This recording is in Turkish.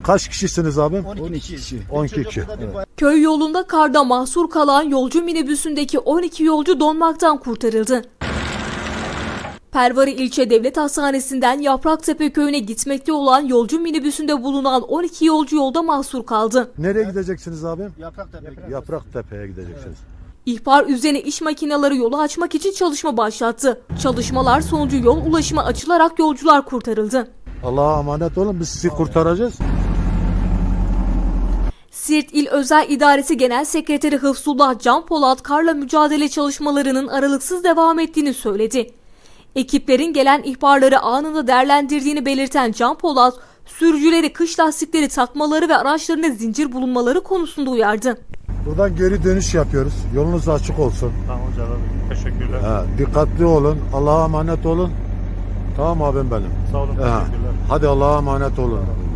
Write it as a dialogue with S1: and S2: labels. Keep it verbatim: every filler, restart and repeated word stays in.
S1: Kaç kişisiniz abi?
S2: on iki kişi.
S1: on iki kişi. Evet.
S3: Köy yolunda karda mahsur kalan yolcu minibüsündeki on iki yolcu donmaktan kurtarıldı. Pervari İlçe Devlet Hastanesi'nden Yapraktepe köyüne gitmekte olan yolcu minibüsünde bulunan on iki yolcu yolda mahsur kaldı.
S1: Nereye gideceksiniz abi?
S2: Yapraktepe.
S1: Yapraktepe'ye gideceksiniz.
S3: İhbar üzerine iş makineleri yolu açmak için çalışma başlattı. Çalışmalar sonucu yol ulaşıma açılarak yolcular kurtarıldı.
S1: Allah'a emanet olun, biz sizi kurtaracağız.
S3: Siirt İl Özel İdaresi Genel Sekreteri Hıfzullah Can Polat karla mücadele çalışmalarının aralıksız devam ettiğini söyledi. Ekiplerin gelen ihbarları anında değerlendirdiğini belirten Can Polat, sürücüleri kış lastikleri takmaları ve araçlarında zincir bulunmaları konusunda uyardı.
S1: Buradan geri dönüş yapıyoruz. Yolunuz açık olsun.
S4: Tamam hocam. Teşekkürler.
S1: Ha, dikkatli olun. Allah'a emanet olun. Tamam abim benim.
S4: Sağ olun.
S1: Ha,
S4: Teşekkürler.
S1: hadi Allah'a emanet olun.